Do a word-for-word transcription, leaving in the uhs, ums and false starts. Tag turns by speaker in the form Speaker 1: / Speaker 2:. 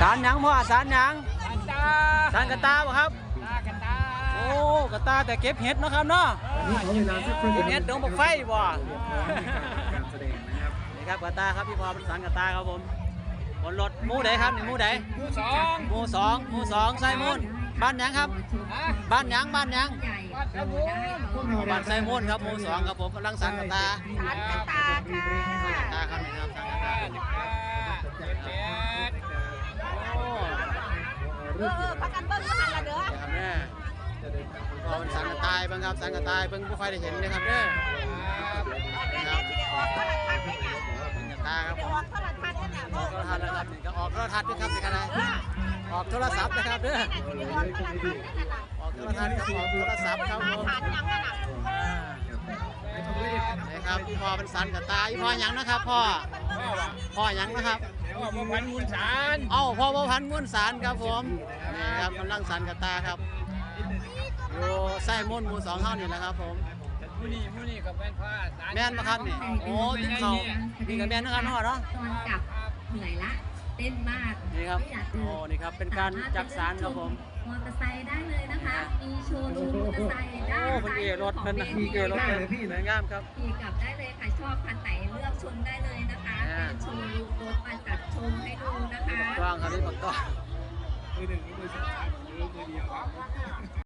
Speaker 1: ารหยังพ่อสารหยัง
Speaker 2: ตา
Speaker 1: สารกระตาบ่ครับ
Speaker 2: ตากระตา
Speaker 1: โอ้กระตาแต่เก็บเห็ดเนาะครับเนาะ
Speaker 3: นี่ขอเวลาสักครู่
Speaker 1: เก็บเห็ดดงบักไฟบ่
Speaker 3: การแสดงนะครับ
Speaker 1: นี่ครับกระตาครับพี่พอเป็นสารกระตาครับผมบนรถหมู่ใดครับนี่หมู่ใด
Speaker 2: ผู้สอง
Speaker 1: หมู่สองหมู่สองไซมูนบ้านหยังครับ
Speaker 2: ฮะ
Speaker 1: บ้านหยังบ้านหยัง
Speaker 2: วัดตะบูน
Speaker 1: บ้านไซมูนครับหมู่สองครับผมกำลังสารกระตา
Speaker 4: สารกระตาค่ะ
Speaker 1: กระตาครับนี่ครับสารกระตา
Speaker 2: เจ็ดเจ็ด
Speaker 1: โอ้
Speaker 4: เออเออพักกันเบิ้งก็หันละเด้อ
Speaker 1: ครับแม่พอเป็นสารกระตายเบิ่งครับสารกระตายเบิ่งบ่ค่อยได้เห็นเลยครับเด้อ
Speaker 4: เดี๋ยวๆสิได้ออกโทรทัศน์ได้เนี่ย
Speaker 1: เป็นกระตาครับ
Speaker 4: ได้
Speaker 1: ผม
Speaker 4: ออกโทรทัศน์ได้เนี่ย
Speaker 1: ออกโทรทัศน์นะครับนี่ก็ออกโทรทัศน์ด้วยครับนี่ก็ได้ออกโทรศัพท์นะครับเด้อ
Speaker 4: ได้ออกโทรทัศน์ได้เนี่ย
Speaker 1: ออกโทรทัศน์ครับออกโทรศัพท์ครับผม
Speaker 4: ฐานยังนั่นน่ะ
Speaker 1: นี่ครับพ่อเป็นสันกับตาอีพ่อหยังนะครับพ่อพ่อหยังนะครับ
Speaker 2: พ่อประพันธ์มูลสาร
Speaker 1: เอ้าพ่อประพันธ์ม้วนสารครับผมนี่ครับกำลังสันกับตาครับอยู่ไส้ม้วนหมู่สองเท่านี่แหละครับผม
Speaker 2: มูนี่มูนี่กับแม่นผ้าสาร
Speaker 1: แม่นปะครับนี่โอ้ติดเขานี่กับแม่นนะครับเนาะเนาะ
Speaker 5: ตอนกลับเหนื่อยละเต้นมาก
Speaker 1: นี่ครับ
Speaker 5: ไม่อยากเดิ
Speaker 1: โอ้นี่ครับเป็นการจักสารครับผม
Speaker 5: มอเตอร์ไซค์ได้เลยนะคะ มีโชว์รูมมอเตอร์ไซค์ด้าน
Speaker 1: โอ้เป็น
Speaker 5: ซ้าย
Speaker 1: เอรถ
Speaker 5: ของ
Speaker 1: เป็น
Speaker 5: เว
Speaker 1: มี
Speaker 5: ที
Speaker 1: เกรถเป็นสวยงามครับ
Speaker 5: ขี่กลับได้เลยค่ะชอบคันไหนเลือกชมได้เลยนะคะเป็นโชว์รูมรถมาจัดชมให้ดูนะคะ
Speaker 1: กว้างครับนี่ปักต้อง
Speaker 3: มือหนึ่งมือสองมือมือเดียวครับ